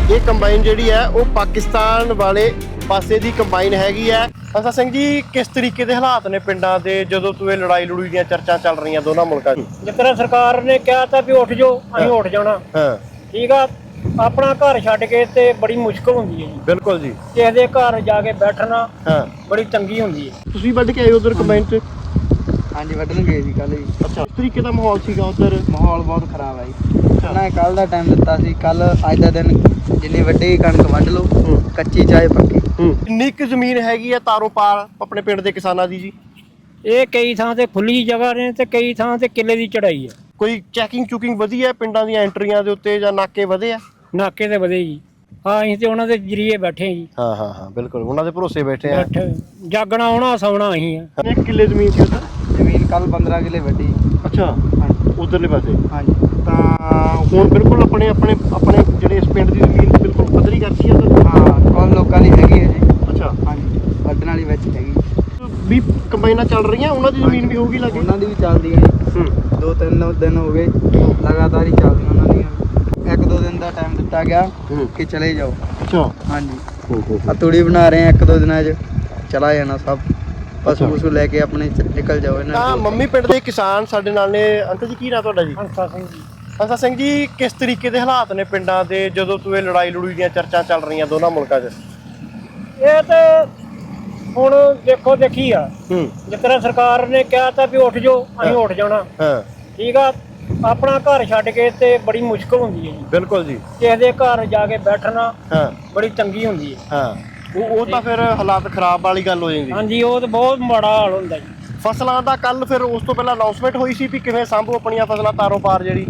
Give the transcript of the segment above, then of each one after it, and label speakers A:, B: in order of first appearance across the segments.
A: ਇਹ ਕੰਬਾਈਨ ਜਿਹੜੀ ਹੈ ਉਹ ਪਾਕਿਸਤਾਨ ਵਾਲੇ ਪਾਸੇ ਦੀ ਕੰਬਾਈਨ ਹੈਗੀ ਹੈ। ਅਸਾ ਸਿੰਘ ਜੀ, ਕਿਸ ਤਰੀਕੇ ਦੇ ਹਾਲਾਤ ਨੇ ਪਿੰਡਾਂ ਦੇ ਜਦੋਂ ਤੂੰ ਇਹ ਲੜਾਈ ਲੜੂਈ ਦੀਆਂ ਚਰਚਾ ਚੱਲ ਰਹੀਆਂ ਦੋਨਾਂ ਮੁਲਕਾਂ 'ਚ?
B: ਜਿਸ ਤਰ੍ਹਾਂ ਸਰਕਾਰ ਨੇ ਕਿਹਾ ਤਾਂ ਵੀ ਉੱਠ ਜਾਓ, ਅਸੀਂ ਉੱਠ ਜਾਣਾ।
A: ਹਾਂ,
B: ਠੀਕ ਆ। ਆਪਣਾ ਘਰ ਛੱਡ ਕੇ ਤੇ ਬੜੀ ਮੁਸ਼ਕਲ ਹੁੰਦੀ ਹੈ ਜੀ।
A: ਬਿਲਕੁਲ ਜੀ।
B: ਕਿਸੇ ਦੇ ਘਰ ਜਾ ਕੇ ਬੈਠਣਾ
A: ਹਾਂ,
B: ਬੜੀ ਤੰਗੀ ਹੁੰਦੀ ਹੈ।
A: ਤੁਸੀਂ ਵੱਢ ਕੇ ਆਏ ਉਧਰ ਕੰਬਾਈਨ 'ਚ?
C: ਹਾਂਜੀ ਵੱਢਣ ਗਏ ਸੀ ਕੱਲ ਜੀ।
A: ਅੱਛਾ, ਕਿਸ ਤਰੀਕੇ ਦਾ ਮਾਹੌਲ ਸੀਗਾ ਉਧਰ?
C: ਮਾਹੌਲ ਬਹੁਤ ਖਰਾਬ ਹੈ ਜੀ। ਉਹਨਾਂ ਕੱਲ ਦਾ ਟਾਈਮ ਦਿੱਤਾ ਸੀ, ਕੱਲ ਅੱਜ ਦਾ ਦਿਨ ਜਿੰਨੀ ਵੱਡੀ ਕਣਕ ਵੱਢ ਲਓ, ਕੱਚੀ ਚਾਹੇ ਪੱਕੀ।
A: ਕਿੰਨੀ ਕੁ ਜ਼ਮੀਨ ਹੈਗੀ ਆ ਤਾਰੋਂ ਪਾਰ ਆਪਣੇ ਪਿੰਡ ਦੇ ਕਿਸਾਨਾਂ ਦੀ ਜੀ?
B: ਇਹ ਕਈ ਥਾਂ ਤੇ ਖੁੱਲੀ ਜਗ੍ਹਾ ਨੇ ਤੇ ਕਈ ਥਾਂ ਤੇ ਕਿੱਲੇ ਦੀ ਚੜਾਈ ਹੈ।
A: ਕੋਈ ਚੈਕਿੰਗ ਚੁਕਿੰਗ ਵਧੀ ਹੈ ਪਿੰਡਾਂ ਦੀਆਂ ਐਂਟਰੀਆਂ ਦੇ ਉੱਤੇ ਜਾਂ ਨਾਕੇ ਵਧੇ ਆ?
B: ਨਾਕੇ ਤੇ ਵਧੇ ਜੀ। ਹਾਂ, ਅਸੀਂ ਤੇ ਉਹਨਾਂ ਦੇ ਜਰੀਏ ਬੈਠੇ ਜੀ।
A: ਹਾਂ ਹਾਂ ਹਾਂ, ਬਿਲਕੁਲ ਉਹਨਾਂ ਦੇ ਭਰੋਸੇ ਬੈਠੇ ਆ।
B: ਬੈਠੇ ਜਾਗਣਾ ਆਉਣਾ ਸੌਣਾ ਅਸੀਂ ਆ।
A: ਕਿੰਨੇ ਕਿੱਲੇ ਜ਼ਮੀਨ ਸੀ ਉਧਰ?
C: ਜ਼ਮੀਨ ਕੱਲ 15 ਕਿੱਲੇ ਵੱਢੀ।
A: ਅੱਛਾ,
C: ਹਾਂਜੀ
A: ਉਧਰਲੇ ਪਾਸੇ।
C: ਹਾਂਜੀ
A: ਤਾਂ ਹੁਣ ਬਿਲਕੁਲ ਆਪਣੇ ਆਪਣੇ ਆਪਣੇ ਜਿਹੜੇ ਇਸ ਪਿੰਡ ਦੀ ਜ਼ਮੀਨ ਬਿਲਕੁਲ ਪੱਧਰੀ ਕਰਤੀ ਆ ਉਧਰ?
C: ਹਾਂ, ਕੋਲ ਲੋਕਾਂ ਦੀ ਹੈਗੀ ਹੈ ਜੀ।
A: ਅੱਛਾ,
C: ਹਾਂਜੀ ਵੱਢਣ ਵਾਲੀ ਵਿੱਚ ਹੈਗੀ।
A: ਵੀ ਕੰਬਾਈਨਾਂ ਚੱਲ ਰਹੀਆਂ, ਉਹਨਾਂ ਦੀ ਜ਼ਮੀਨ ਵੀ ਹੋਊਗੀ ਲੱਗੇ?
C: ਉਹਨਾਂ ਦੀ ਵੀ ਚੱਲਦੀ ਹੈ ਜੀ। 2-3 ਦਿਨ ਹੋ ਗਏ ਲਗਾਤਾਰ ਹੀ ਚੱਲਦੀਆਂ ਉਹਨਾਂ ਦੀਆਂ। 1-2 ਦਿਨ ਦਾ ਟਾਈਮ ਦਿੱਤਾ ਗਿਆ ਕਿ ਚਲੇ ਜਾਓ।
A: ਅੱਛਾ,
C: ਹਾਂਜੀ ਆ ਤੂੜੀ ਬਣਾ ਰਹੇ ਆ, 1-2 ਦਿਨਾਂ 'ਚ ਚਲਾ ਜਾਣਾ ਸਭ। ਪਸ਼ੂ ਪਸ਼ੂ ਲੈ ਕੇ ਆਪਣੇ ਨਿਕਲ ਜਾਓ ਇਹਨਾਂ
A: ਤਾਂ ਮੰਮੀ ਪਿੰਡ ਦੇ ਕਿਸਾਨ ਸਾਡੇ ਨਾਲ ਨੇ। ਅੰਕਲ ਜੀ, ਕੀ ਨਾਂ ਤੁਹਾਡਾ ਜੀ?
B: ਹੰਸਾ ਸਿੰਘ ਜੀ।
A: ਹੰਸਾ ਸਿੰਘ ਜੀ, ਕਿਸ ਤਰੀਕੇ ਦੇ ਹਾਲਾਤ ਨੇ ਪਿੰਡਾਂ ਦੇ ਜਦੋਂ ਤੂੰ ਇਹ ਲੜਾਈ ਲੜੂਈ ਦੀਆਂ ਚਰਚਾ ਚੱਲ ਰਹੀਆਂ ਦੋਨਾਂ ਮੁਲਕਾਂ 'ਚ?
B: ਇਹ ਤੇ ਹੁਣ ਦੇਖੋ ਦੇਖੀ ਆ। ਜਿਸ ਤਰ੍ਹਾਂ ਸਰਕਾਰ ਨੇ ਕਿਹਾ ਤਾਂ ਵੀ ਉੱਠ ਜਾਓ, ਅਸੀਂ ਉੱਠ ਜਾਣਾ।
A: ਹਾਂ,
B: ਠੀਕ ਆ। ਆਪਣਾ ਘਰ ਛੱਡ ਕੇ ਤੇ ਬੜੀ ਮੁਸ਼ਕਲ ਹੁੰਦੀ ਹੈ ਜੀ।
A: ਬਿਲਕੁਲ ਜੀ।
B: ਕਿਸੇ ਦੇ ਘਰ ਜਾ ਕੇ ਬੈਠਣਾ
A: ਹਾਂ
B: ਬੜੀ ਤੰਗੀ ਹੁੰਦੀ ਹੈ।
A: ਹਾਂ, ਉਹ ਤਾਂ ਫਿਰ ਹਾਲਾਤ ਖਰਾਬ ਵਾਲੀ ਗੱਲ ਹੋ ਜਾਂਦੀ।
B: ਹਾਂਜੀ, ਉਹ ਤਾਂ ਬਹੁਤ ਮਾੜਾ ਹਾਲ ਹੁੰਦਾ ਜੀ।
A: ਫਸਲਾਂ ਦਾ ਕੱਲ ਫਿਰ ਉਸ ਤੋਂ ਪਹਿਲਾਂ ਅਨਾਉਂਸਮੈਂਟ ਹੋਈ ਸੀ ਵੀ ਕਿਵੇਂ ਸਾਂਭੋ ਆਪਣੀਆਂ ਫਸਲਾਂ ਤਾਰੋਂ ਪਾਰ ਜਿਹੜੀ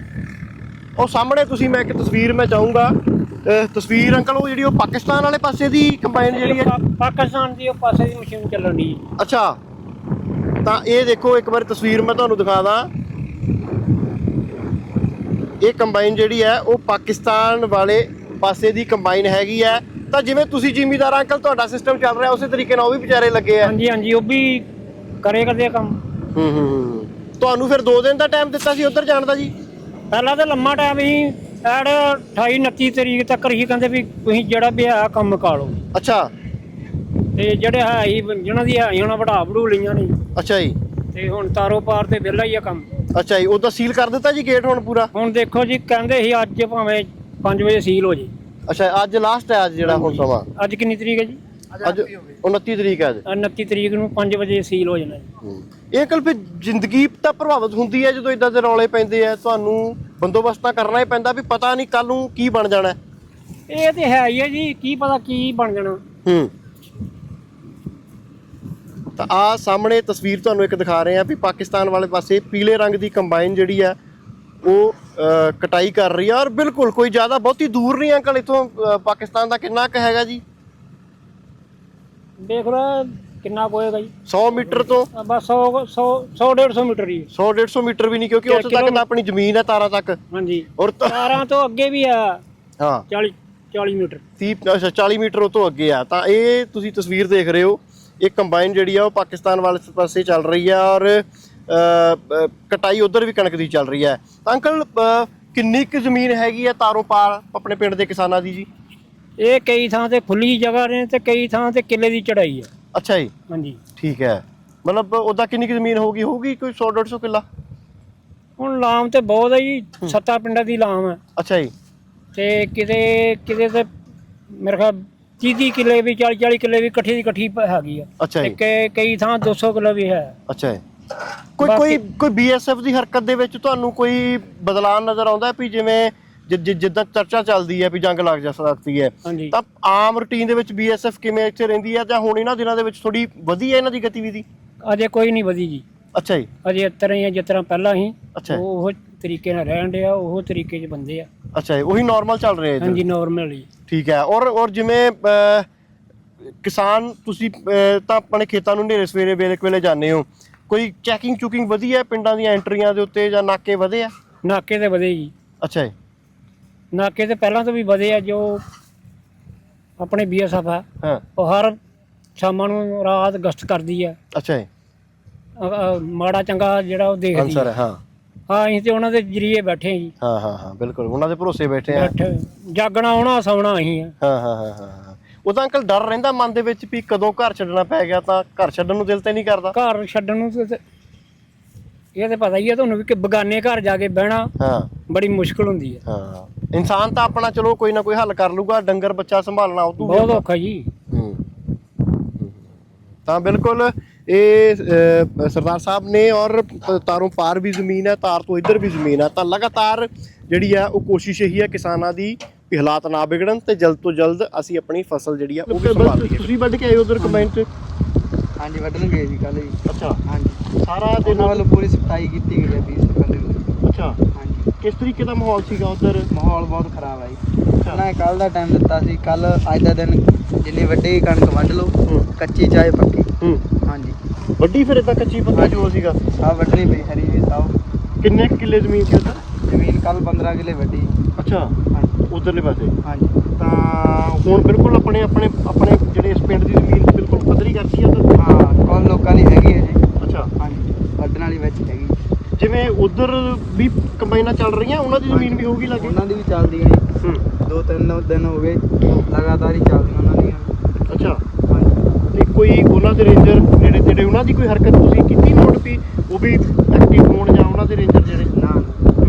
A: ਉਹ ਸਾਹਮਣੇ ਤੁਸੀਂ, ਮੈਂ ਇੱਕ ਤਸਵੀਰ ਮੈਂ ਚਾਹੂੰਗਾ ਤਸਵੀਰ ਅੰਕਲ, ਉਹ ਜਿਹੜੀ ਉਹ ਪਾਕਿਸਤਾਨ ਵਾਲੇ ਪਾਸੇ ਦੀ ਕੰਬਾਈਨ ਜਿਹੜੀ ਹੈ?
B: ਪਾਕਿਸਤਾਨ ਦੀ ਉਹ ਪਾਸੇ ਦੀ ਮਸ਼ੀਨ ਚੱਲਣ ਦੀ।
A: ਅੱਛਾ, ਤਾਂ ਇਹ ਦੇਖੋ ਇੱਕ ਵਾਰ ਤਸਵੀਰ ਮੈਂ ਤੁਹਾਨੂੰ ਦਿਖਾ ਦਾਂ। ਇਹ ਕੰਬਾਈਨ ਜਿਹੜੀ ਹੈ ਉਹ ਪਾਕਿਸਤਾਨ ਵਾਲੇ ਪਾਸੇ ਦੀ ਕੰਬਾਈਨ ਹੈਗੀ ਹੈ। ਤਾਂ ਜਿਵੇਂ ਤੁਸੀਂ ਜ਼ਿਮੀਦਾਰ ਅੰਕਲ, ਤੁਹਾਡਾ ਸਿਸਟਮ ਚੱਲ ਰਿਹਾ ਉਸੇ ਤਰੀਕੇ ਨਾਲ ਉਹ ਵੀ ਵਿਚਾਰੇ ਲੱਗੇ ਆ।
B: ਹਾਂਜੀ ਹਾਂਜੀ, ਉਹ ਵੀ ਕਰੇ ਕਰਦੇ ਕੰਮ।
A: ਤੁਹਾਨੂੰ ਫਿਰ 2 ਦਿਨ ਦਾ ਟਾਈਮ ਦਿੱਤਾ ਸੀ ਉੱਧਰ ਜਾਣ ਦਾ ਜੀ?
B: ਪਹਿਲਾਂ ਤਾਂ ਲੰਮਾ ਟਾਈਮ ਹੀ ਐਡ 28-29 ਤਰੀਕ ਤੱਕ ਹੀ ਕਹਿੰਦੇ ਵੀ ਤੁਸੀਂ ਜਿਹੜਾ ਵੀ ਹੈ ਕੰਮ ਕਾ ਲਓ।
A: ਅੱਛਾ,
B: ਤੇ ਜਿਹੜੇ ਹੈ ਹੀ ਜਿਹਨਾਂ ਦੀ ਹੈ ਉਹਨਾਂ ਵਢਾ ਵਢੂ ਲਈਆਂ ਨੇ।
A: ਅੱਛਾ ਜੀ।
B: ਤੇ ਹੁਣ ਤਾਰੋ ਪਾਰ ਤੇ ਵਿਹਲਾ ਹੀ ਆ ਕੰਮ।
A: ਅੱਛਾ ਜੀ, ਉਹ ਤਾਂ ਸੀਲ ਕਰ ਦਿੱਤਾ ਜੀ ਗੇਟ ਹੁਣ ਪੂਰਾ?
B: ਹੁਣ ਦੇਖੋ ਜੀ, ਕਹਿੰਦੇ ਸੀ ਅੱਜ ਭਾਵੇਂ 5 ਵਜੇ ਸੀਲ ਹੋ ਜੇ। ਅੱਛਾ,
A: ਅੱਜ ਲਾਸਟ ਹੈ ਅੱਜ ਜਿਹੜਾ ਹੁਣ ਸਮਾਂ?
B: ਅੱਜ ਕਿੰਨੀ ਤਰੀਕ ਹੈ ਜੀ?
A: ਅੱਜ 29 ਤਰੀਕ ਹੈ ਅੱਜ।
B: 29 ਤਰੀਕ ਨੂੰ 5 ਵਜੇ ਸੀਲ ਹੋ ਜਾਣਾ ਜੀ।
A: ਇਹ ਕੱਲ ਫਿਰ ਜ਼ਿੰਦਗੀ ਤਾਂ ਪ੍ਰਭਾਵਿਤ ਹੁੰਦੀ ਹੈ ਜਦੋਂ ਇਦਾਂ ਦੇ ਰੌਲੇ ਪੈਂਦੇ ਆ। ਤੁਹਾਨੂੰ ਬੰਦੋਬਸਤ ਤਾਂ ਕਰਨਾ ਹੀ ਪੈਂਦਾ ਵੀ ਪਤਾ ਨਹੀਂ ਕੱਲ ਨੂੰ ਕੀ ਬਣ ਜਾਣਾ।
B: ਇਹ ਤੇ ਹੈ ਹੀ ਹੈ ਜੀ, ਕੀ ਪਤਾ ਕੀ ਬਣ ਜਾਣਾ।
A: ਤਾਂ ਆ ਸਾਹਮਣੇ ਤਸਵੀਰ ਤੁਹਾਨੂੰ ਇੱਕ ਦਿਖਾ ਰਹੇ ਆ ਵੀ ਪਾਕਿਸਤਾਨ ਵਾਲੇ ਪਾਸੇ ਪੀਲੇ ਰੰਗ ਦੀ ਕੰਬਾਈਨ ਜਿਹੜੀ ਆ ਉਹ ਕਟਾਈ ਕਰ ਰਹੀ ਆ। ਔਰ ਬਿਲਕੁਲ ਕੋਈ ਜ਼ਿਆਦਾ ਬਹੁਤੀ ਦੂਰ ਨਹੀਂ ਅੰਕਲ ਇੱਥੋਂ ਪਾਕਿਸਤਾਨ ਦਾ ਕਿੰਨਾ ਕੁ ਹੈਗਾ ਜੀ?
B: ਦੇਖ ਲਓ ਕਿੰਨਾ ਕੁ ਹੋਏਗਾ ਜੀ।
A: 100 ਮੀਟਰ ਤੋਂ
B: ਬਸ 100-150 ਮੀਟਰ ਹੀ।
A: 100-150 ਮੀਟਰ ਵੀ ਨਹੀਂ, ਕਿਉਂਕਿ ਉੱਥੇ ਤੱਕ ਤਾਂ ਆਪਣੀ ਜ਼ਮੀਨ ਹੈ ਤਾਰਾਂ ਤੱਕ।
B: ਹਾਂਜੀ,
A: ਔਰ
B: ਤਾਰਾਂ ਤੋਂ ਅੱਗੇ ਵੀ ਆ।
A: ਹਾਂ,
B: 40 ਮੀਟਰ।
A: 40 ਮੀਟਰ ਉਹ ਤੋਂ ਅੱਗੇ ਆ। ਤਾਂ ਇਹ ਤੁਸੀਂ ਤਸਵੀਰ ਦੇਖ ਰਹੇ ਹੋ, ਇਹ ਕੰਬਾਈਨ ਜਿਹੜੀ ਆ ਉਹ ਪਾਕਿਸਤਾਨ ਵਾਲੇ ਪਾਸੇ ਚੱਲ ਰਹੀ ਆ ਔਰ ਕਟਾਈ ਉਧਰ ਵੀ ਕਣਕ ਦੀ ਚੱਲ ਰਹੀ ਹੈ। ਤਾਂ ਅੰਕਲ, ਕਿੰਨੀ ਕੁ ਜ਼ਮੀਨ ਹੈਗੀ ਆ ਤਾਰੋਂ ਪਾਰ ਆਪਣੇ ਪਿੰਡ ਦੇ ਕਿਸਾਨਾਂ ਦੀ ਜੀ?
B: ਇਹ ਕਈ ਥਾਂ ਤੇ ਖੁੱਲੀ ਜਗ੍ਹਾ ਨੇ ਤੇ ਕਈ ਥਾਂ ਤੇ ਕਿੱਲੇ ਦੀ ਚੜਾਈ ਹੈ।
A: ਅੱਛਾ ਜੀ,
B: ਹਾਂਜੀ।
A: ਠੀਕ ਹੈ। ਮਤਲਬ ਉਹਦਾ ਕਿੰਨੀ ਕੁ ਜ਼ਮੀਨ ਹੋਊਗੀ ਕੋਈ 100-150 ਕਿੱਲਾ?
B: ਹੁਣ ਲਾਮ ਤੇ ਬਹੁਤ ਹੈ ਜੀ, 7 ਪਿੰਡਾਂ ਦੀ ਲਾਮ ਹੈ।
A: ਅੱਛਾ ਜੀ।
B: ਤੇ ਕਿਤੇ ਤੇ ਮੇਰੇ ਖਿਆਲ 30 ਕਿੱਲੇ ਵੀ, 40 ਕਿੱਲੇ ਵੀ ਇਕੱਠੀ ਦੀ ਇਕੱਠੀ ਹੈਗੀ ਆ।
A: ਅੱਛਾ ਜੀ।
B: ਤੇ ਕਈ ਥਾਂ 200 ਕਿੱਲਾ ਵੀ ਹੈ।
A: ਅੱਛਾ ਜੀ। ਕੋਈ BSF ਦੀ ਹਰਕਤ ਦੇ ਵਿੱਚ ਤੁਹਾਨੂੰ ਕੋਈ ਬਦਲਾਅ ਨਜ਼ਰ ਆਉਂਦਾ ਵੀ ਜਿਵੇਂ ਜਿੱਦਾਂ ਚਰਚਾ ਚੱਲਦੀ ਹੈ ਵੀ ਜੰਗ ਲੱਗ ਜਾ ਸਕਦੀ ਹੈ, ਤਾਂ ਆਮ ਰੂਟੀਨ ਦੇ ਵਿੱਚ BSF ਕਿਵੇਂ ਇੱਥੇ ਰਹਿੰਦੀ ਹੈ ਜਾਂ ਹੁਣ ਇਹਨਾਂ ਦਿਨਾਂ ਦੇ ਵਿੱਚ ਥੋੜੀ ਵਧੀ ਹੈ ਇਹਨਾਂ ਦੀ ਗਤੀਵਿਧੀ?
B: ਅਜੇ ਕੋਈ ਨਹੀਂ ਵਧੀ ਜੀ।
A: ਅੱਛਾ ਜੀ।
B: ਅਜੇ ਇਸ ਤਰ੍ਹਾਂ ਹੀ ਆ ਜਿਸ ਤਰ੍ਹਾਂ ਪਹਿਲਾਂ ਸੀ।
A: ਅੱਛਾ,
B: ਉਹ ਤਰੀਕੇ ਨਾਲ ਰਹਿਣ ਡਿਆ, ਉਹ ਤਰੀਕੇ 'ਚ ਬੰਦੇ ਆ।
A: ਅੱਛਾ ਜੀ, ਉਹੀ ਨਾਰਮਲ ਚੱਲ ਰਿਹਾ?
B: ਹਾਂਜੀ, ਨਾਰਮਲ ਹੀ।
A: ਠੀਕ ਹੈ। ਔਰ ਜਿਵੇਂ ਕਿਸਾਨ ਤੁਸੀਂ ਤਾਂ ਆਪਣੇ ਖੇਤਾਂ ਨੂੰ ਹਨੇਰੇ ਸਵੇਰੇ ਵੇਲੇ ਜਾਂਦੇ ਹੋ, ਕੋਈ ਚੈਕਿੰਗ ਚੁਕਿੰਗ ਵਧੀ ਹੈ ਪਿੰਡਾਂ ਦੀਆਂ ਐਂਟਰੀਆਂ ਦੇ ਉੱਤੇ ਜਾਂ ਨਾਕੇ ਵਧੇ ਆ?
B: ਨਾਕੇ ਤੇ ਵਧੇ ਜੀ।
A: ਅੱਛਾ ਜੀ।
B: ਨਾਕੇ ਤੇ ਪਹਿਲਾਂ ਤੋਂ ਵੀ ਵਧੇ ਆ। ਜੋ ਆਪਣੇ BSF ਆ,
A: ਹਾਂ,
B: ਉਹ ਹਰ ਸ਼ਾਮਾਂ ਨੂੰ ਰਾਤ ਗਸ਼ਤ ਕਰਦੀ ਆ।
A: ਅੱਛਾ ਜੀ।
B: ਮਾੜਾ ਚੰਗਾ ਜਿਹੜਾ ਉਹ ਦੇਖਦੀ
A: ਆਨਸਰ ਹੈ। ਹਾਂ,
B: ਹਾਂ ਅਸੀਂ ਤੇ ਉਹਨਾਂ ਦੇ ਜਰੀਏ ਬੈਠੇ ਹਾਂ ਜੀ।
A: ਹਾਂ ਬਿਲਕੁਲ ਉਹਨਾਂ ਦੇ ਭਰੋਸੇ ਬੈਠੇ ਆ।
B: ਬੈਠੇ ਜਾਗਣਾ ਆਉਣਾ ਸੌਣਾ ਅਸੀਂ ਆ।
A: ਹਾਂ ਉਹ ਤਾਂ ਅੰਕਲ ਡਰ ਰਹਿੰਦਾ ਮਨ ਦੇ ਵਿੱਚ ਵੀ ਕਦੋਂ ਘਰ ਛੱਡਣਾ ਪੈ ਗਿਆ ਤਾਂ ਘਰ ਛੱਡਣ ਨੂੰ ਦਿਲ ਤੇ ਨਹੀਂ ਕਰਦਾ।
B: ਘਰ ਛੱਡਣ ਨੂੰ ਤੇ ਇਹ ਤੇ ਪਤਾ ਹੀ ਆ ਤੁਹਾਨੂੰ ਵੀ ਕਿ ਬਗਾਨੇ ਘਰ ਜਾ ਕੇ ਬਹਿਣਾ
A: ਹਾਂ
B: ਬੜੀ ਮੁਸ਼ਕਲ ਹੁੰਦੀ ਹੈ।
A: ਹਾਂ ਇਨਸਾਨ ਤਾਂ ਆਪਣਾ ਚਲੋ ਕੋਈ ਨਾ ਕੋਈ ਹੱਲ ਕਰ ਲੂਗਾ, ਡੰਗਰ ਬੱਚਾ ਸੰਭਾਲਣਾ ਉਦੋਂ
B: ਬਹੁਤ ਔਖਾ ਜੀ।
A: ਤਾਂ ਬਿਲਕੁਲ ਇਹ ਸਰਦਾਰ ਸਾਹਿਬ ਨੇ ਔਰ ਤਾਰੋਂ ਪਾਰ ਵੀ ਜ਼ਮੀਨ ਹੈ, ਤਾਰ ਤੋਂ ਇੱਧਰ ਵੀ ਜ਼ਮੀਨ ਹੈ, ਤਾਂ ਲਗਾਤਾਰ ਜਿਹੜੀ ਆ ਉਹ ਕੋਸ਼ਿਸ਼ ਇਹੀ ਹੈ ਕਿਸਾਨਾਂ ਦੀ ਵੀ ਹਾਲਾਤ ਨਾ ਵਿਗੜਨ ਤੇ ਜਲਦ ਤੋਂ ਜਲਦ ਅਸੀਂ ਆਪਣੀ ਫਸਲ ਜਿਹੜੀ ਆ ਉਹ ਵੀ ਸੰਭਾਲ ਲਈਏ। ਤੁਸੀਂ ਵੱਢ ਕੇ ਆਏ ਉਧਰ ਕੰਬਾਈਨ 'ਚ?
C: ਹਾਂਜੀ ਵੱਢਣ ਗਏ ਸੀ ਕੱਲ ਜੀ।
A: ਅੱਛਾ
C: ਹਾਂਜੀ
A: ਸਾਰਾ ਦਿਨ
C: ਉਹਨਾਂ ਵੱਲੋਂ ਪੂਰੀ ਸਫਾਈ ਕੀਤੀ ਗਈ ਹੈ 20 ਬੰਦੇ ਦੀ।
A: ਅੱਛਾ
C: ਹਾਂਜੀ
A: ਕਿਸ ਤਰੀਕੇ ਦਾ ਮਾਹੌਲ ਸੀਗਾ ਉਧਰ?
C: ਮਾਹੌਲ ਬਹੁਤ ਖਰਾਬ ਹੈ ਜੀ। ਉਹਨਾਂ ਨੇ ਕੱਲ ਦਾ ਟਾਈਮ ਦਿੱਤਾ ਸੀ, ਕੱਲ ਅੱਜ ਦਾ ਦਿਨ ਜਿੰਨੀ ਵੱਡੀ ਕਣਕ ਵੱਢ ਲਓ, ਕੱਚੀ ਚਾਹੇ ਪੱਕੀ। ਹਾਂਜੀ
A: ਵੱਡੀ ਫਿਰ ਇਦਾਂ ਕੱਚੀ ਪੱਕੀ ਜੋ ਸੀਗਾ
C: ਸਭ ਵੱਢਣੀ ਪਈ ਹਰੀ ਵੀ ਸਭ।
A: ਕਿੰਨੇ ਕਿੱਲੇ ਜ਼ਮੀਨ ਸੀ ਉਧਰ?
C: ਜ਼ਮੀਨ ਕੱਲ 15 ਕਿੱਲੇ ਵੱਢੀ।
A: ਅੱਛਾ
C: ਹਾਂਜੀ
A: ਉਧਰਲੇ ਪਾਸੇ।
C: ਹਾਂਜੀ
A: ਤਾਂ ਹੁਣ ਬਿਲਕੁਲ ਆਪਣੇ ਜਿਹੜੇ ਇਸ ਪਿੰਡ ਦੀ ਜ਼ਮੀਨ ਬਿਲਕੁਲ ਪੱਧਰੀ ਕਰਤੀ ਆ ਉਧਰ?
C: ਹਾਂ ਕੋਲ ਲੋਕਾਂ ਦੀ ਹੈਗੀ ਹੈ ਜੀ।
A: ਅੱਛਾ
C: ਹਾਂਜੀ ਵੱਢਣ ਵਾਲੀ ਵਿੱਚ ਹੈਗੀ।
A: ਜਿਵੇਂ ਉਧਰ ਵੀ ਕੰਬਾਈਨਾਂ ਚੱਲ ਰਹੀਆਂ ਉਹਨਾਂ ਦੀ ਜ਼ਮੀਨ ਵੀ ਹੋਊਗੀ ਲੱਗੇ?
C: ਉਹਨਾਂ ਦੀ ਵੀ ਚੱਲਦੀ ਹੈ ਜੀ। 2-3 ਦਿਨ ਹੋ ਗਏ ਲਗਾਤਾਰ ਹੀ ਚੱਲਦੀਆਂ ਉਹਨਾਂ ਦੀਆਂ।
A: ਅੱਛਾ
C: ਹਾਂਜੀ
A: ਤੇ ਕੋਈ ਉਹਨਾਂ ਦੇ ਰੇਂਜਰ ਨੇੜੇ ਤੇੜੇ ਉਹਨਾਂ ਦੀ ਕੋਈ ਹਰਕਤ ਤੁਸੀਂ ਕੀਤੀ ਨੋਟ ਵੀ ਉਹ ਵੀ ਐਕਟਿਵ ਹੋਣ ਜਾਂ ਉਹਨਾਂ ਦੇ ਰੇਂਜਰ ਜਿਹੜੇ?
C: ਨਾ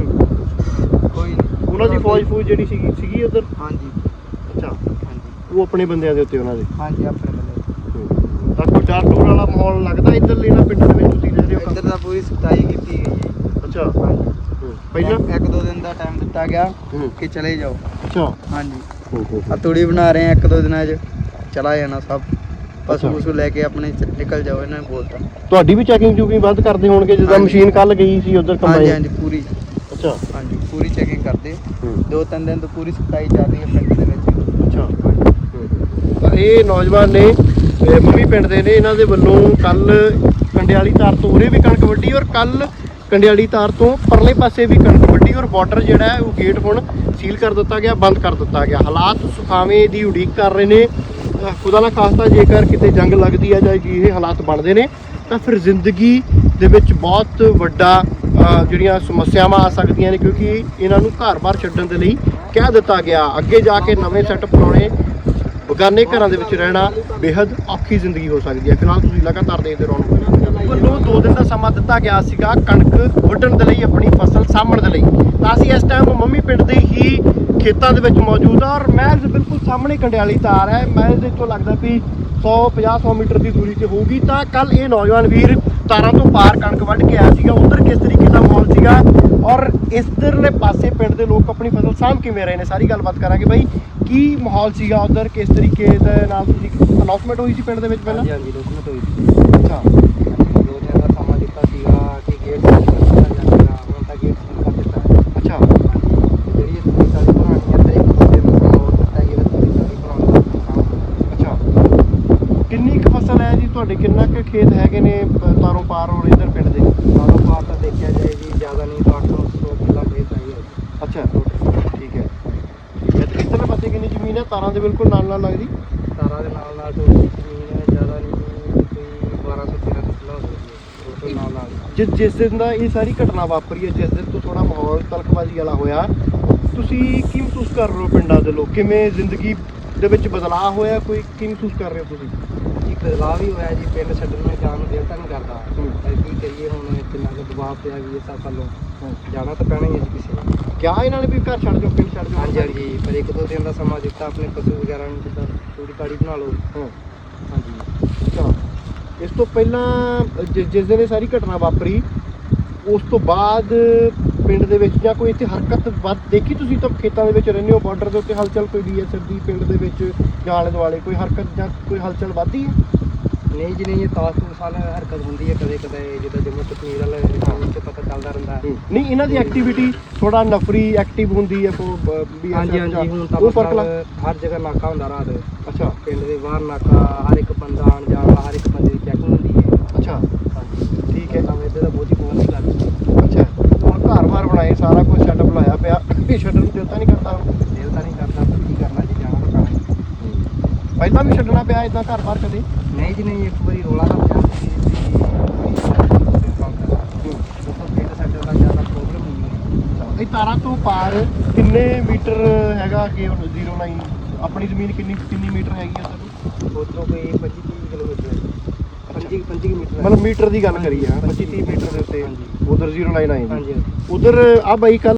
C: ਕੋਈ ਨਹੀਂ।
A: ਉਹਨਾਂ ਦੀ ਫੌਜ ਜਿਹੜੀ ਸੀਗੀ ਉਧਰ?
C: ਹਾਂਜੀ
A: ਅੱਛਾ
C: ਹਾਂਜੀ
A: ਉਹ ਆਪਣੇ ਬੰਦਿਆਂ ਦੇ ਉੱਤੇ ਉਹਨਾਂ ਦੇ?
C: ਹਾਂਜੀ ਆਪਣੇ ਬੰਦੇ।
A: ਤਾਂ ਕੋਈ ਡਰ ਡਰ ਵਾਲਾ ਮਾਹੌਲ ਲੱਗਦਾ ਇੱਧਰਲੇ ਨਾ ਪਿੰਡਾਂ ਦੇ ਵਿੱਚ ਤੁਸੀਂ ਰਹਿ ਰਹੇ ਹੋ?
C: ਇੱਧਰ ਤਾਂ ਪੂਰੀ ਸਫਾਈ ਕੀਤੀ ਗਈ ਜੀ।
A: ਅੱਛਾ
C: ਹਾਂਜੀ
A: ਪਹਿਲਾਂ
C: 1-2 ਦਿਨ ਦਾ ਟਾਈਮ ਦਿੱਤਾ ਗਿਆ ਕਿ ਚਲੇ ਜਾਓ।
A: ਅੱਛਾ
C: ਹਾਂਜੀ ਆ ਤੂੜੀ ਬਣਾ ਰਹੇ ਆ 1-2 ਦਿਨਾਂ 'ਚ ਚਲਾ ਜਾਣਾ ਸਭ। ਪਸ਼ੂ ਪਸ਼ੂ ਲੈ ਕੇ ਆਪਣੇ ਨਿਕਲ ਜਾਓ ਇਹਨਾਂ ਨੇ ਬੋਲਤਾ।
A: ਤੁਹਾਡੀ ਵੀ ਚੈਕਿੰਗ ਚੂਕਿੰਗ ਵੱਧ ਕਰਦੇ ਹੋਣਗੇ ਜਿੱਦਾਂ ਮਸ਼ੀਨ ਕੱਲ ਗਈ ਸੀ ਉਧਰ
C: ਹਾਂਜੀ ਹਾਂਜੀ ਪੂਰੀ।
A: ਅੱਛਾ
C: ਹਾਂਜੀ ਪੂਰੀ ਚੈਕਿੰਗ ਕਰਦੇ। 2-3 ਦਿਨ ਤੋਂ ਪੂਰੀ ਸਫਾਈ ਚੱਲ ਰਹੀ ਹੈ ਪਿੰਡ ਦੇ ਵਿੱਚ।
A: ਅੱਛਾ ਤਾਂ ਇਹ ਨੌਜਵਾਨ ਨੇ ਮੰਮੀ ਪਿੰਡ ਦੇ ਨੇ, ਇਹਨਾਂ ਦੇ ਵੱਲੋਂ ਕੱਲ ਕੰਡਿਆਲੀ ਤਾਰ ਤੋਂ ਉਰੇ ਵੀ ਕਣਕ ਵੱਢੀ ਔਰ ਕੱਲ ਕੰਡਿਆਲੀ ਤਾਰ ਤੋਂ ਪਰਲੇ ਪਾਸੇ ਵੀ ਕਣਕ ਵੱਢੀ ਔਰ ਬਾਰਡਰ ਜਿਹੜਾ ਹੈ ਉਹ ਗੇਟ ਹੁਣ ਸੀਲ ਕਰ ਦਿੱਤਾ ਗਿਆ, ਬੰਦ ਕਰ ਦਿੱਤਾ ਗਿਆ। ਹਾਲਾਤ ਸੁਖਾਵੇਂ ਦੀ ਉਡੀਕ ਕਰ ਰਹੇ ਨੇ। ਖੁਦਾ ਨਾ ਖਾਸਤਾ ਜੇਕਰ ਕਿਤੇ ਜੰਗ ਲੱਗਦੀ ਹੈ ਜਾਂ ਇਹ ਹਾਲਾਤ ਬਣਦੇ ਨੇ ਤਾਂ ਫਿਰ ਜ਼ਿੰਦਗੀ ਦੇ ਵਿੱਚ ਬਹੁਤ ਵੱਡਾ ਜਿਹੜੀਆਂ ਸਮੱਸਿਆਵਾਂ ਆ ਸਕਦੀਆਂ ਨੇ, ਕਿਉਂਕਿ ਇਹਨਾਂ ਨੂੰ ਘਰ-ਬਾਰ ਛੱਡਣ ਦੇ ਲਈ ਕਹਿ ਦਿੱਤਾ ਗਿਆ। ਅੱਗੇ ਜਾ ਕੇ ਨਵੇਂ ਸੈੱਟ ਬਣਾਉਣੇ, ਬਗਾਨੇ ਘਰਾਂ ਦੇ ਵਿੱਚ ਰਹਿਣਾ ਬੇहद ਔਖੀ ਜ਼ਿੰਦਗੀ ਹੋ ਸਕਦੀ ਹੈ। ਫਿਲਹਾਲ ਤੁਸੀਂ ਲਗਾਤਾਰ ਦੇਖਦੇ ਰਹੋ। ਵੱਲੋਂ 2 ਦਿਨ ਦਾ ਸਮਾਂ ਦਿੱਤਾ ਗਿਆ ਸੀਗਾ ਕਣਕ ਵੱਢਣ ਦੇ ਲਈ, ਆਪਣੀ ਫਸਲ ਸਾਂਭਣ ਦੇ ਲਈ। ਤਾਂ ਅਸੀਂ ਇਸ ਟਾਈਮ ਮੰਮੀ ਪਿੰਡ ਦੇ ਹੀ ਖੇਤਾਂ ਦੇ ਵਿੱਚ ਮੌਜੂਦ ਆ ਔਰ ਮਹਿਜ਼ ਬਿਲਕੁਲ ਸਾਹਮਣੇ ਕੰਡਿਆਲੀ ਤਾਰ ਹੈ। ਮਹਿਜ਼ ਇੱਥੋਂ ਲੱਗਦਾ ਵੀ 150 ਮੀਟਰ ਦੀ ਦੂਰੀ ਤੇ ਹੋਊਗੀ। ਤਾਂ ਕੱਲ ਇਹ ਨੌਜਵਾਨ ਵੀਰ ਤਾਰਾਂ ਤੋਂ ਪਾਰ ਕਣਕ ਵੱਢ ਕੇ ਆਇਆ ਸੀਗਾ। ਉਧਰ ਕਿਸ ਤਰੀਕੇ ਦਾ ਮਾਹੌਲ ਸੀਗਾ ਔਰ ਇਧਰਲੇ ਪਾਸੇ ਪਿੰਡ ਦੇ ਲੋਕ ਆਪਣੀ ਫਸਲ ਸਾਂਭ ਕਿਵੇਂ ਰਹੇ ਨੇ, ਸਾਰੀ ਗੱਲਬਾਤ ਕਰਾਂਗੇ। ਬਾਈ ਕੀ ਮਾਹੌਲ ਸੀਗਾ ਉਧਰ, ਕਿਸ ਤਰੀਕੇ ਦੇ ਨਾਲ ਤੁਸੀਂ ਅਨਾਉਂਸਮੈਂਟ ਹੋਈ ਸੀ ਪਿੰਡ ਦੇ ਵਿੱਚ ਪਹਿਲਾਂ?
C: ਹਾਂਜੀ ਡਾਕੂਮੈਂਟ ਹੋਈ ਸੀ।
A: ਅੱਛਾ
C: 2 ਦਿਨ ਦਾ ਸਮਾਂ ਦਿੱਤਾ ਸੀਗਾ ਕਿ ਗੇਟ ਸੀਲ ਕਰ ਦਿੱਤਾ ਜਾਏਗਾ। ਹੁਣ ਤਾਂ ਗੇਟ ਸੀਲ ਕਰ ਦਿੱਤਾ ਹੈ।
A: ਅੱਛਾ
C: ਜਿਹੜੀ ਇਹ ਤੂੜੀ ਤਾੜੀ ਬਣਾਉਣੀ ਹੈ ਤੇ 1-2 ਦਿਨ ਹੋਰ ਦਿੱਤਾ ਗਿਆ ਤੂੜੀ ਤਾੜੀ ਬਣਾਉਣ ਦਾ ਕੰਮ।
A: ਅੱਛਾ ਕਿੰਨੀ ਕੁ ਫਸਲ ਹੈ ਜੀ ਤੁਹਾਡੇ, ਕਿੰਨਾ ਕੁ ਖੇਤ ਹੈਗੇ ਨੇ ਤਾਰੋਂ ਪਾਰ ਔਰ ਇਧਰ ਪਿੰਡ ਦੇ?
C: ਤਾਰੋਂ ਪਾਰ ਤਾਂ ਦੇਖਿਆ ਜਾਏ ਜੀ ਜ਼ਿਆਦਾ ਨਹੀਂ ਤਾਂ 800 ਕਿੱਲਾ ਖੇਤ ਹੈ ਜੀ।
A: ਅੱਛਾ ਠੀਕ ਹੈ। ਇਧਰਲੇ ਪਾਸੇ ਕਿੰਨੀ ਜ਼ਮੀਨ ਹੈ ਤਾਰਾਂ ਦੇ ਬਿਲਕੁਲ ਨਾਲ ਨਾਲ ਲੱਗਦੀ?
C: ਤਾਰਾਂ ਦੇ ਨਾਲ ਨਾਲ ਥੋੜੀ ਜ਼ਮੀਨ ਹੈ, ਜ਼ਿਆਦਾ ਨਹੀਂ, ਕੋਈ 1200-1300 ਕਿੱਲਾ ਹੋ ਸਕਦੀ ਹੈ ਨਾਲ ਨਾਲ।
A: ਜਿਸ ਦਿਨ ਦਾ ਇਹ ਸਾਰੀ ਘਟਨਾ ਵਾਪਰੀ ਹੈ, ਜਿਸ ਦਿਨ ਤੋਂ ਥੋੜਾ ਮਾਹੌਲ ਤਲਖਬਾਜ਼ੀ ਵਾਲਾ ਹੋਇਆ, ਤੁਸੀਂ ਕੀ ਮਹਿਸੂਸ ਕਰ ਰਹੇ ਹੋ ਪਿੰਡਾਂ ਦੇ ਲੋਕ? ਕਿਵੇਂ ਜ਼ਿੰਦਗੀ ਦੇ ਵਿੱਚ ਬਦਲਾਅ ਹੋਇਆ, ਕੋਈ ਕੀ ਮਹਿਸੂਸ ਕਰ ਰਹੇ ਹੋ ਤੁਸੀਂ?
C: ਜੀ ਬਦਲਾਅ ਵੀ ਹੋਇਆ ਜੀ, ਪਿੰਡ ਛੱਡਣ ਨੂੰ ਜਾਣ ਨੂੰ ਦਿਲ ਤਾਂ ਨਹੀਂ ਕਰਦਾ। ਪਰ ਕੀ ਕਰੀਏ ਹੁਣ, ਕਿੰਨਾ ਕੁ ਦਬਾਅ ਪਿਆ ਵੀ ਇਸ ਵੱਲੋਂ ਜਾਣਾ ਤਾਂ ਪੈਣਾ ਹੀ ਹੈ ਜੀ ਕਿਸੇ ਨੂੰ।
A: ਕਿਆ ਇਹਨਾਂ ਨੇ ਵੀ ਘਰ ਛੱਡ ਜਾਓ, ਪਿੰਡ ਛੱਡ ਜਾਓ?
C: ਹਾਂਜੀ ਹਾਂਜੀ ਪਰ 1-2 ਦਿਨ ਦਾ ਸਮਾਂ ਦਿੱਤਾ ਆਪਣੇ ਪਸ਼ੂ ਵਗੈਰਾ ਨੂੰ, ਜਿੱਦਾਂ ਤੂੜੀ ਤਾੜੀ ਬਣਾ ਲਓ। ਹਾਂਜੀ
A: ਅੱਛਾ ਇਸ ਤੋਂ ਪਹਿਲਾਂ ਜਿਸ ਦਿਨ ਇਹ ਸਾਰੀ ਘਟਨਾ ਵਾਪਰੀ ਉਸ ਤੋਂ ਬਾਅਦ ਪਿੰਡ ਦੇ ਵਿੱਚ ਜਾਂ ਕੋਈ ਇੱਥੇ ਹਰਕਤ ਵੱਧ ਦੇਖੀ ਤੁਸੀਂ? ਤਾਂ ਖੇਤਾਂ ਦੇ ਵਿੱਚ ਰਹਿੰਦੇ ਹੋ, ਬਾਰਡਰ ਦੇ ਉੱਤੇ ਹਲਚਲ ਕੋਈ BSF ਦੀ ਪਿੰਡ ਦੇ ਵਿੱਚ ਜਾਂ ਆਲੇ ਦੁਆਲੇ ਕੋਈ ਹਰਕਤ ਜਾਂ ਕੋਈ ਹਲਚਲ ਵੱਧਦੀ ਹੈ?
C: ਨਹੀਂ ਜੀ ਨਹੀਂ, ਇਹ ਤਾਸ ਤੂਸ ਵਾਲੀ ਹਰਕਤ ਹੁੰਦੀ ਹੈ ਕਦੇ ਕਦੇ, ਜਿੱਦਾਂ ਜੰਮੂ ਕਸ਼ਮੀਰ ਵਾਲੇ ਚ ਪਤਾ ਚੱਲਦਾ ਰਹਿੰਦਾ ਹੈ।
A: ਨਹੀਂ ਇਹਨਾਂ ਦੀ ਐਕਟੀਵਿਟੀ ਥੋੜਾ ਨਫਰੀ ਐਕਟਿਵ ਹੁੰਦੀ ਹੈ
C: ਹਾਂਜੀ ਹਾਂਜੀ ਹੁਣ ਤਾਂ
A: ਉਹ ਫਰਕ
C: ਹਰ ਜਗ੍ਹਾ ਨਾਕਾ ਹੁੰਦਾ ਰਾਤ।
A: ਅੱਛਾ
C: ਪਿੰਡ ਦੇ ਬਾਹਰ ਨਾਕਾ, ਹਰ ਇੱਕ ਬੰਦਾ ਆਉਣ ਜਾਣ ਵਾਲਾ, ਹਰ ਇੱਕ ਬੰਦੇ ਦੀ ਚੈਕਿੰਗ ਹੁੰਦੀ ਹੈ।
A: ਅੱਛਾ
C: ਹਾਂਜੀ
A: ਠੀਕ ਹੈ।
C: ਤਾਂ ਇਹਦੇ ਦਾ ਬਹੁਤ ਹੀ ਬਹੁਤ ਨਹੀਂ ਲੱਗਦਾ।
A: ਅੱਛਾ ਹੁਣ ਘਰ-ਬਾਰ ਬਣਾਏ, ਸਾਰਾ ਕੁਝ ਸੈਟਅਪ ਲਾਇਆ ਪਿਆ, ਇਹ ਛੱਡਣ ਨੂੰ ਦਿਲ ਤਾਂ ਨਹੀਂ ਕਰਦਾ?
C: ਦਿਲ ਤਾਂ ਨਹੀਂ ਕਰਦਾ, ਪਰ ਕੀ ਕਰਨਾ ਜੀ, ਜਾਣਾ ਤਾਂ ਪੈਣਾ।
A: ਪਹਿਲਾਂ ਵੀ ਛੱਡਣਾ ਪਿਆ ਇਦਾਂ ਘਰ-ਬਾਰ ਕਦੇ?
C: ਨਹੀਂ ਜੀ ਨਹੀਂ, ਇੱਕ ਵਾਰੀ ਰੋਲਾ ਤਾਂ ਪਿਆ ਸੀ ਪਿੰਡ ਸੈਟਲ ਦਾ ਜ਼ਿਆਦਾ
A: ਤਾਰਾਂ ਤੋਂ ਪਾਰ ਕਿੰਨੇ ਮੀਟਰ ਹੈਗਾ ਅੱਗੇ 09 ਆਪਣੀ ਜ਼ਮੀਨ ਕਿੰਨੀ ਮੀਟਰ ਹੈਗੀ ਆ ਸਰ
C: ਉਧਰੋਂ ਕੋਈ 25-30 ਕਿਲੋਮੀਟਰ 25 ਮੀਟਰ
A: ਮਤਲਬ ਮੀਟਰ ਦੀ ਗੱਲ ਕਰੀ ਆ 25-30 ਮੀਟਰ ਦੇ ਉੱਤੇ
C: ਹਾਂਜੀ
A: ਉਧਰ 09 ਆਈ
C: ਹਾਂਜੀ
A: ਉਧਰ ਆ ਬਾਈ ਕੱਲ